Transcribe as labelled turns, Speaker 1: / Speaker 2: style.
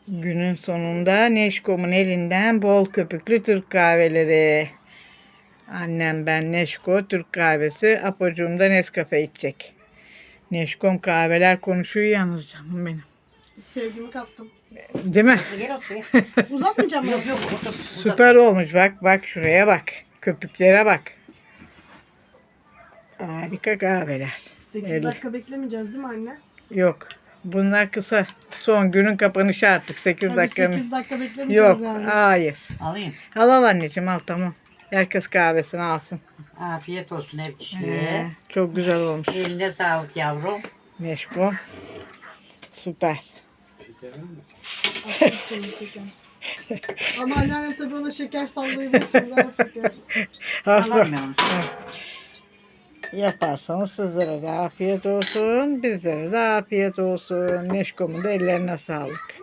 Speaker 1: Günün sonunda Neşkom'un elinden bol köpüklü Türk kahveleri. Annem ben Neşko Türk kahvesi. Apocuğum da Nescafe içecek. Neşkom kahveler konuşuyor yalnız canım benim.
Speaker 2: Sevgimi kattım.
Speaker 1: Değil mi?
Speaker 3: Gel otur ya.
Speaker 2: Uzatmayacağım mı?
Speaker 3: Yok yok otur.
Speaker 1: Süper olmuş. Bak şuraya bak. Köpüklere bak. Harika kahveler.
Speaker 2: 8
Speaker 1: El-
Speaker 2: dakika beklemeyeceğiz değil mi anne?
Speaker 1: Yok. Bunlar kısa. Son günün kapanışı artık. 8
Speaker 2: Tabii
Speaker 1: dakika.
Speaker 2: 8 dakika beklemeyeceğiz
Speaker 1: Yok.
Speaker 2: yani.
Speaker 1: Hayır.
Speaker 3: Alayım.
Speaker 1: Al anneciğim al tamam. Herkes kahvesini alsın.
Speaker 3: Afiyet olsun her kişiye.
Speaker 1: Çok güzel olmuş.
Speaker 3: Eline sağlık yavrum.
Speaker 1: Neşko. Süper.
Speaker 2: Afiyet olsun şeker. Ama anneannem tabii ona şeker sallayabilir. Şimdi şeker.
Speaker 1: Aslında
Speaker 3: Alayım ben onu.
Speaker 1: yaparsanız sizlere de afiyet olsun. Bizlere de afiyet olsun. Neşko'mun da ellerine sağlık.